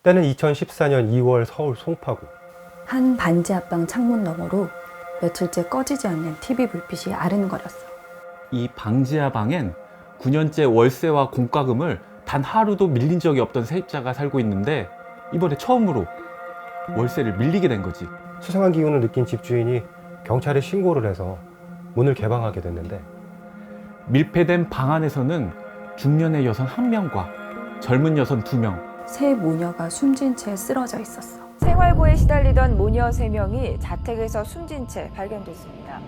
때는 2014년 2월 서울 송파구. 한 반지 앞방 창문 너머로 며칠째 꺼지지 않는 TV 불빛이 아른거렸어. 이 방지하 방엔 9년째 월세와 공과금을 단 하루도 밀린 적이 없던 세입자가 살고 있는데 이번에 처음으로 월세를 밀리게 된 거지. 수상한 기운을 느낀 집주인이 경찰에 신고를 해서 문을 개방하게 됐는데 밀폐된 방 안에서는 중년의 여성 1명과 젊은 여성 2명, 새 모녀가 숨진 채 쓰러져 있었어. 생활고에 시달리던 모녀 3명이 자택에서 숨진 채 발견됐습니다.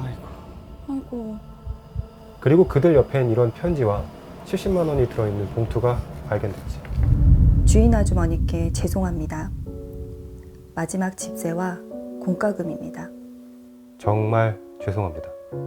아이고. 그리고 그들 옆엔 이런 편지와 70만 원이 들어있는 봉투가 발견됐지. 주인 아주머니께 죄송합니다. 마지막 집세와 공과금입니다. 정말 죄송합니다.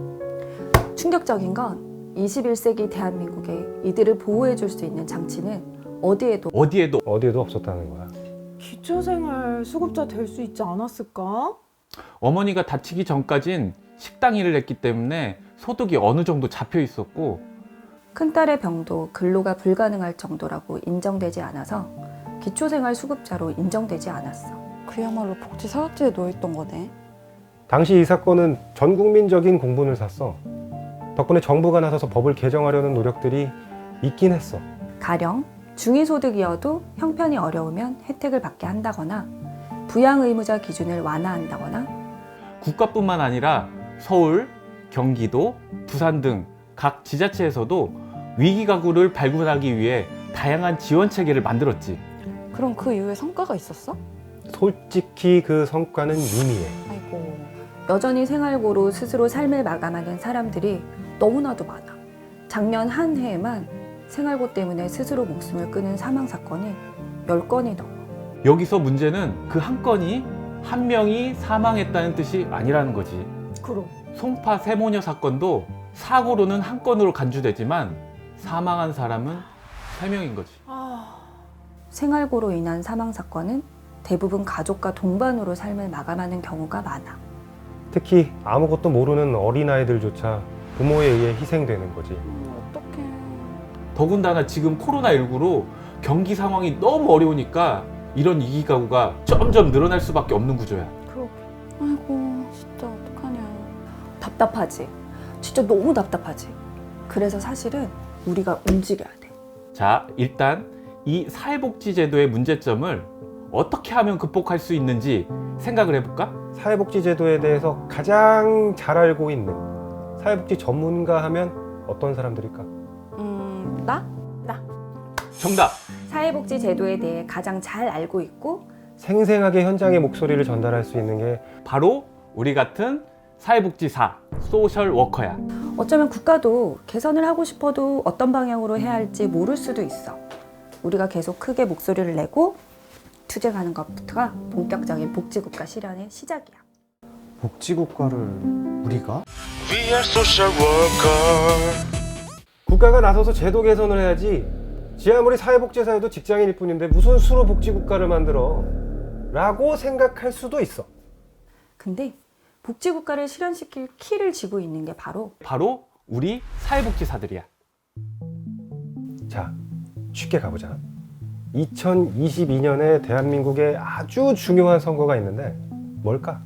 충격적인 건 21세기 대한민국에 이들을 보호해줄 수 있는 장치는 어디에도 어디에도 없었다는 거야. 기초생활 수급자 될 수 있지 않았을까? 어머니가 다치기 전까진 식당 일을 했기 때문에 소득이 어느 정도 잡혀 있었고 큰딸의 병도 근로가 불가능할 정도라고 인정되지 않아서 기초생활 수급자로 인정되지 않았어. 그야말로 복지 사각지대에 놓여있던 거네. 당시 이 사건은 전 국민적인 공분을 샀어. 덕분에 정부가 나서서 법을 개정하려는 노력들이 있긴 했어. 가령 중위소득이어도 형편이 어려우면 혜택을 받게 한다거나 부양의무자 기준을 완화한다거나 국가뿐만 아니라 서울, 경기도, 부산 등 각 지자체에서도 위기 가구를 발굴하기 위해 다양한 지원 체계를 만들었지. 그럼 그 이후에 성과가 있었어? 솔직히 그 성과는 미미해. 아이고. 여전히 생활고로 스스로 삶을 마감하는 사람들이 너무나도 많아. 작년 한 해에만 생활고 때문에 스스로 목숨을 끊은 사망 사건이 10건이 넘어. 여기서 문제는 그 한 건이 한 명이 사망했다는 뜻이 아니라는 거지. 그럼. 송파 세모녀 사건도 사고로는 한 건으로 간주되지만 사망한 사람은 3명인 거지. 생활고로 인한 사망 사건은 대부분 가족과 동반으로 삶을 마감하는 경우가 많아. 특히 아무것도 모르는 어린아이들조차 부모에 의해 희생되는 거지. 어떡해. 더군다나 지금 코로나19로 경기 상황이 너무 어려우니까 이런 위기 가구가 점점 늘어날 수밖에 없는 구조야. 그렇게. 아이고, 진짜 어떡하냐. 답답하지? 진짜 너무 답답하지? 그래서 사실은 우리가 움직여야 돼. 자, 일단 이 사회복지제도의 문제점을 어떻게 하면 극복할 수 있는지 생각을 해볼까? 사회복지제도에 대해서 가장 잘 알고 있는 사회복지 전문가 하면 어떤 사람들일까? 나? 정답! 사회복지 제도에 대해 가장 잘 알고 있고 생생하게 현장의 목소리를 전달할 수 있는 게 바로 우리 같은 사회복지사, 소셜워커야. 어쩌면 국가도 개선을 하고 싶어도 어떤 방향으로 해야 할지 모를 수도 있어. 우리가 계속 크게 목소리를 내고 투쟁하는 것부터가 본격적인 복지국가 실현의 시작이야. 복지국가를 우리가? We are social worker. 국가가 나서서 제도 개선을 해야지. 지 아무리 사회복지사여도 직장인일 뿐인데 무슨 수로 복지국가를 만들어? 라고 생각할 수도 있어. 근데 복지국가를 실현시킬 키를 쥐고 있는 게 바로 우리 사회복지사들이야. 자, 쉽게 가보자. 2022년에 대한민국에 아주 중요한 선거가 있는데 뭘까?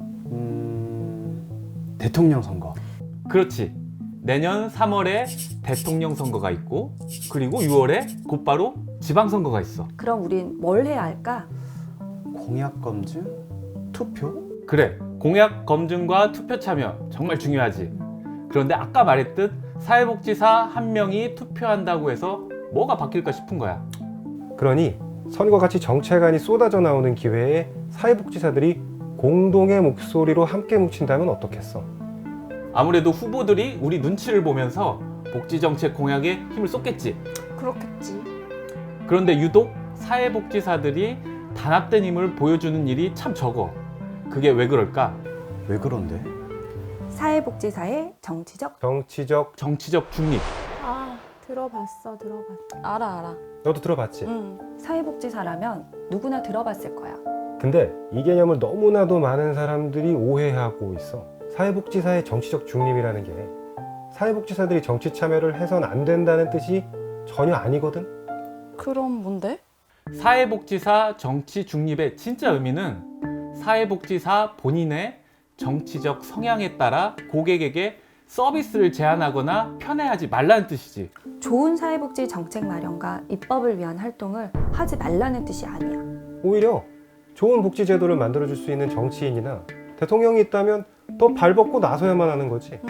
대통령 선거. 그렇지. 내년 3월에 대통령 선거가 있고 그리고 6월에 곧바로 지방선거가 있어. 그럼 우린 뭘 해야 할까? 공약 검증? 투표? 그래, 공약 검증과 투표 참여 정말 중요하지. 그런데 아까 말했듯 사회복지사 1명이 투표한다고 해서 뭐가 바뀔까 싶은 거야. 그러니 선거같이 정체간이 쏟아져 나오는 기회에 사회복지사들이 공동의 목소리로 함께 뭉친다면 어떻겠어? 아무래도 후보들이 우리 눈치를 보면서 복지정책 공약에 힘을 쏟겠지. 그렇겠지. 그런데 유독 사회복지사들이 단합된 힘을 보여주는 일이 참 적어. 그게 왜 그럴까? 왜 그런데? 사회복지사의 정치적 정치적 중립. 들어봤어. 알아. 너도 들어봤지? 사회복지사라면 누구나 들어봤을 거야. 근데 이 개념을 너무나도 많은 사람들이 오해하고 있어. 사회복지사의 정치적 중립이라는 게 사회복지사들이 정치 참여를 해선 안 된다는 뜻이 전혀 아니거든. 그럼 뭔데? 사회복지사 정치 중립의 진짜 의미는 사회복지사 본인의 정치적 성향에 따라 고객에게 서비스를 제한하거나 편애하지 말라는 뜻이지. 좋은 사회복지 정책 마련과 입법을 위한 활동을 하지 말라는 뜻이 아니야. 오히려 좋은 복지 제도를 만들어줄 수 있는 정치인이나 대통령이 있다면 더 발벗고 나서야만 하는 거지.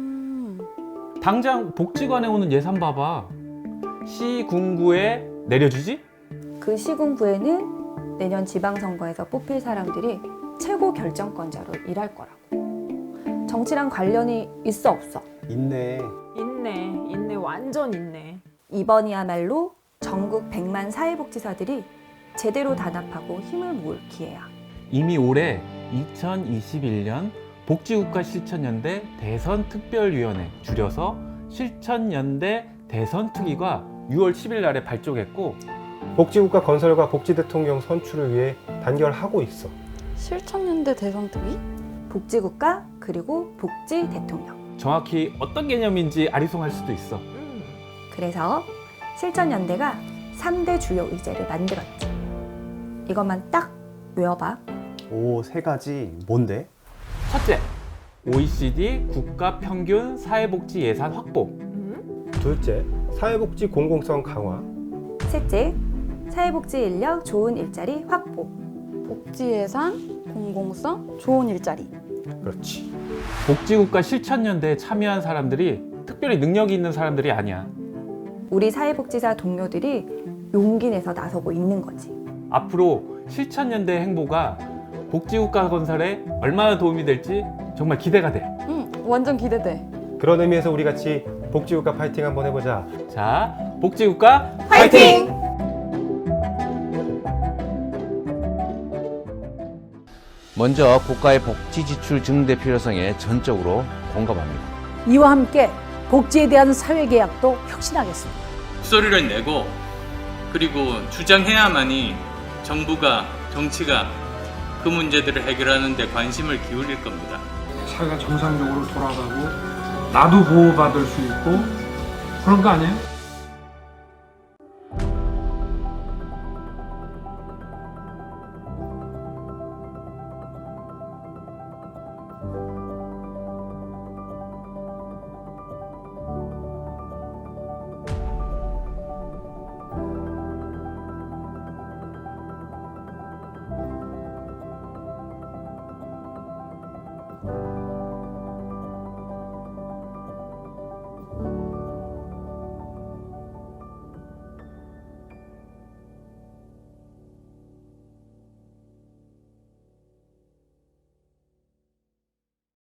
당장 복지관에 오는 예산 봐봐. 시군구에 내려주지? 그 시군구에는 내년 지방선거에서 뽑힐 사람들이 최고 결정권자로 일할 거라고. 정치랑 관련이 있어 없어? 있네. 있네. 완전 있네. 이번이야말로 전국 100만 사회복지사들이 제대로 단합하고 힘을 모을 기회야. 이미 올해 2021년 복지국가 실천연대 대선특별위원회, 줄여서 실천연대 대선특위가 6월 10일 날에 발족했고, 복지국가 건설과 복지대통령 선출을 위해 단결하고 있어. 실천연대 대선특위? 복지국가 그리고 복지대통령. 정확히 어떤 개념인지 아리송할 수도 있어. 그래서 실천연대가 3대 주요 의제를 만들었지. 이것만 딱 외워봐. 오, 세 가지 뭔데? 첫째, OECD 국가 평균 사회복지 예산 확보. 둘째, 사회복지 공공성 강화. 셋째, 사회복지 인력 좋은 일자리 확보. 복지 예산, 공공성, 좋은 일자리. 그렇지. 복지국가 실천연대에 참여한 사람들이 특별히 능력이 있는 사람들이 아니야. 우리 사회복지사 동료들이 용기 내서 나서고 있는 거지. 앞으로 실천연대 행보가 복지국가 건설에 얼마나 도움이 될지 정말 기대가 돼. 완전 기대돼. 그런 의미에서 우리 같이 복지국가 파이팅 한번 해보자. 자, 복지국가 파이팅! 먼저 국가의 복지 지출 증대 필요성에 전적으로 공감합니다. 이와 함께 복지에 대한 사회계약도 혁신하겠습니다. 목소리를 내고 그리고 주장해야만이 정부가, 정치가 그 문제들을 해결하는 데 관심을 기울일 겁니다. 사회가 정상적으로 돌아가고 나도 보호받을 수 있고 그런 거 아니에요?